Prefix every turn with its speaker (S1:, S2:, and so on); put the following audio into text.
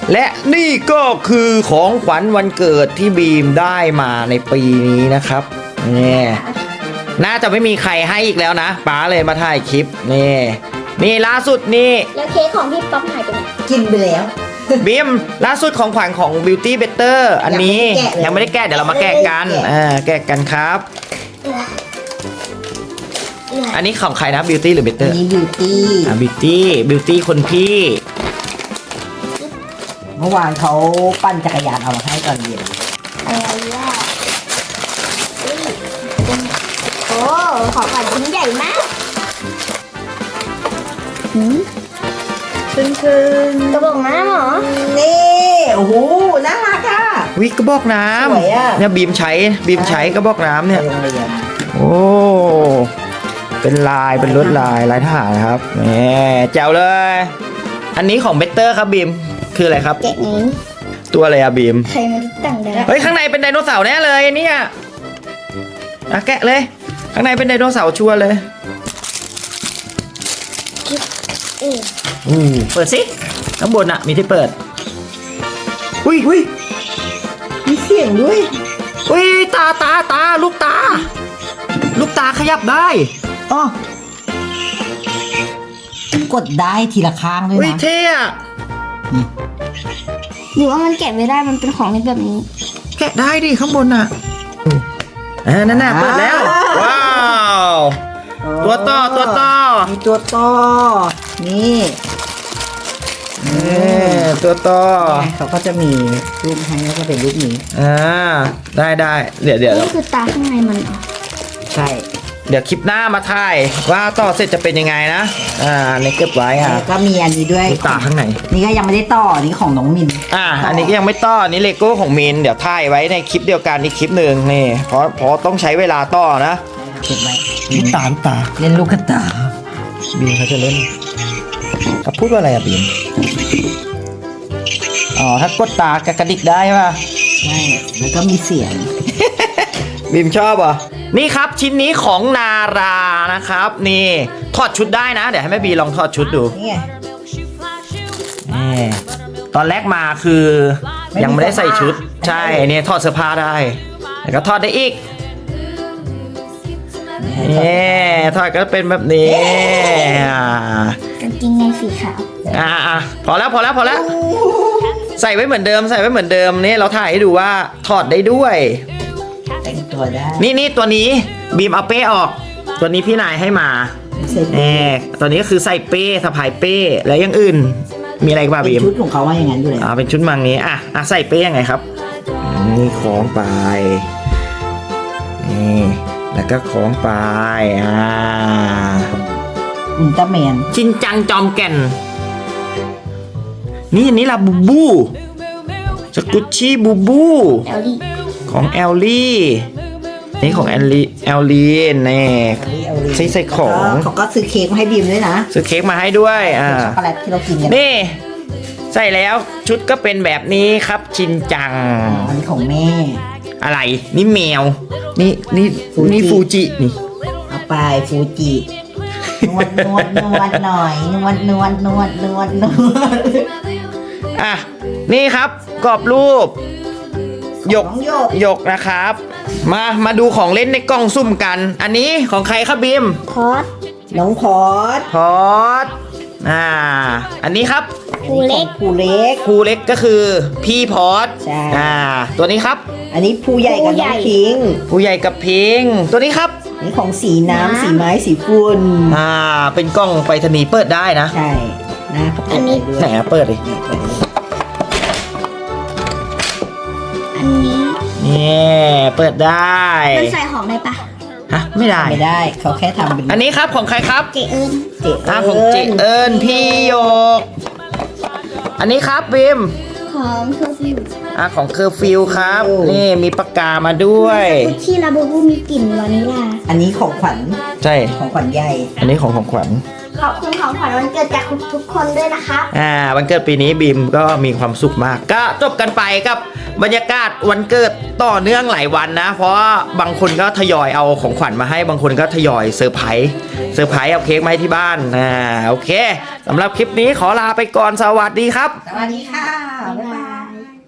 S1: และนี่ก็คือของขวัญวันเกิดที่บีมได้มาในปีนี้นะครับนี่น่าจะไม่มีใครให้อีกแล้วนะป๋าเลยมาถ่ายคลิปนี่ล่าสุดนี่
S2: แล้วเค้กของพี่ป๊อปหายไปไหน
S3: กินไปแล้ว
S1: บีมล่าสุดของขวัญของ Beauty Better อันนี้ยังไม่ได้แกะเดี๋ยวเรามาแกะกันแกะกันครับอันนี้ของใครนะ Beauty หรือ Better
S3: นี่บิวตี้
S1: Beauty คนพี่
S3: เมื่อวานเขาปั่นจักรยานเอามาให้ตอนเย็น
S2: อะไรอ่ะโอ้ของขวัญชิ้นใหญ่มากกระบอกน้ำเหรอ
S3: นี่โอ้โหน่ารักอ่ะ
S1: วิกระบอกน้
S3: สวยอะ
S1: ำเนี่ยบีมใช้กระบอกน้ำเนี่ย
S3: ไปโรงเรียน
S1: โอ้เป็นลายเป็นลวดลายทหารครับนี่แจ๋วเลย อันนี้ของ Better ครับบีมคืออะไรครับ
S2: แกะนี้
S1: ตัวอะไรอะบีม
S2: ใครมาตั้งได้
S1: เฮ้ยข้างในเป็นไดโนเสาร์แน่เลยเนี่ยแกะเลยข้างในเป็นไดโนเสาร์ชัวร์เลยเปิดสิข้างบนอะมีที่เปิดอุ้ย
S3: มีเสียงด้วย
S1: อุ้ยตาลูกตาขยับได้
S3: อ๋อ กดได้ทีละข้างด้วย
S1: อุ้ย
S3: นะ
S1: เท่อะ
S2: หรือว่ามันแกะไม่ได้มันเป็นของเล่นแบบนี้
S1: แกะได้ดิข้างบนอะนั่นน่ะเปิดแล้วว้าวตัวต่อ
S3: มีตัวต่อนี่
S1: ตัวต่อ
S3: เขาก็จะมีรูปให้แล้วก็เป็นรูปนี้
S1: ได้เดี๋ยว
S2: นี่คือตาข้างในมันเหรอ
S3: ใช่
S1: เดี๋ยวคลิปหน้ามาถ่ายว่าต่อเสร็จจะเป็นยังไงนะนี่เก็บไว้ค่ะ
S3: แล้วก็มีอันนี้ด้วย
S1: ลูกตาข้างใน
S3: นี่ก็ยังไม่ได้ต่อนี่ของน้องมิน
S1: อันนี้ก็ยังไม่ต่ออันนี้เลโก้ของมินเดี๋ยวถ่ายไว้ในคลิปเดียวกันอีกคลิปหนึ่งนี่เพราะต้องใช้เวลาต่อนะ
S3: เก็บไว้
S1: ลูกตา
S3: เล่นลูกกระตา
S1: บีมเขาจะเล่นเขาพูดว่าอะไรอะบีมถ้ากดตากระดิกได้ใช่ป่ะ
S3: ใช่แล้วก็มีเสียง
S1: บีมชอบเหรอนี่ครับชิ้นนี้ของนารานะครับนี่ถอดชุดได้นะเดี๋ยวให้แม่บีลองถอดชุดดู
S3: นี่ไง
S1: นี่ตอนแรกมาคือยังไม่ได้ใส่ชุดใช่เนี่ยถอดเสื้อผ้าได้แล้วก็ถอดได้อีกนี่ถอดก็เป็นแบบนี้
S2: กางเกงในสีขาว
S1: พอแล้วใส่ไว้เหมือนเดิมนี่เราถ่ายให้ดูว่าถอดได้ด้วย
S3: แต่งตัวได้
S1: นี่ตัวนี้บีมเอาเป้ออก ตัวนี้พี่นายให้มา
S3: ใส่
S1: ตัวนี้ก็คือใส่เป้สะพายเป้แล้วอยังอื่นมีอะไรบ้าง
S3: เป็
S1: บี
S3: น
S1: ม
S3: ชุดของเขาว่าอย่างนั้นอยู่แล้ว
S1: เป็นชุดมังนี้ใส่เป้ยังไงครับนี่คล้องไปนี่แล้วก็คล้องไป
S3: อุลตร้าแมน
S1: ชินจังจอมแก่นนี่อันนี้ล่ะบูบูสกุชชี่บูบู
S2: แอลลี่
S1: ของแอลลี่นี่ของแอลลี่นี่ใส่ของ
S3: เขาก็ซื้อเค้กมาให้บีมด้วยนะ
S1: ซื้อเค้กมาให้ด้วย
S3: ช็อกโกแลตที่เรากินกัน
S1: นี่ใส่แล้วชุดก็เป็นแบบนี้ครับชินจัง
S3: อันนี้ของแม่
S1: อะไรนี่แมวนี่ฟูจินี่
S3: เอาไปฟูจินวดหน่อยนวด
S1: นี่ครับกรอบรูปหยก
S3: น้องหยก
S1: นะครับมาดูของเล่นในกล่องซุ่มกัน อันนี้ของใครครับบีม
S2: พอด
S3: น้องพอด
S1: พอดอันนี้ครับ
S2: ครูเล็ก
S3: ผู้เล็ก
S1: ครูเล็กก็คือพี่พอด
S3: ใช่
S1: ตัวนี้ครับ
S3: อันนี้ผู้ใหญ่กับน้องพิง
S1: ผู้ใหญ่กับพิงตัวนี้ครับ
S3: นี่ของสีน้ำสีไม้สีฝุ่น
S1: เป็นกล้องไปรษณีย์เปิดได้นะ
S3: ใช่นะเขาเปิดให้ด้วย
S1: ไหนเปิดดิ
S2: อันนี้
S1: นี่เปิดได้
S2: มันใส่ของได้ปะ
S1: ไม่ได้
S3: ไม่ได้เขาแค่ทำเป็น
S1: อันนี้ครับของใครครับ
S2: เจเอิญ
S3: เจ๊
S1: ของเจเอิญพี่โยกอันนี้ครับบิม
S2: ของเคอร์ฟิว
S1: ของเคอร์ฟิวครับนี่มีปากกามาด้วย
S2: คุชชี่ลาบูบูมีกลิ่นวานิลลา
S3: อันนี้ของขวัญ
S1: ใช่
S3: ของขวัญใหญ่
S1: อันนี้ของขวัญ
S2: ขอบคุณของขวัญวันเกิดจากทุกคนด้วยนะคะ
S1: วันเกิดปีนี้บีมก็มีความสุขมากก็จบกันไปกับบรรยากาศวันเกิดต่อเนื่องหลายวันนะ เพราะว่าบางคนก็ทยอยเอาของขวัญมาให้บางคนก็ทยอยเซอร์ไพรส์เอาเค้กมาให้ที่บ้านโอเคสำหรับคลิปนี้ขอลาไปก่อนสวัสดีครับ
S3: สวัสดีค่ะ บ๊ายบาย
S2: ย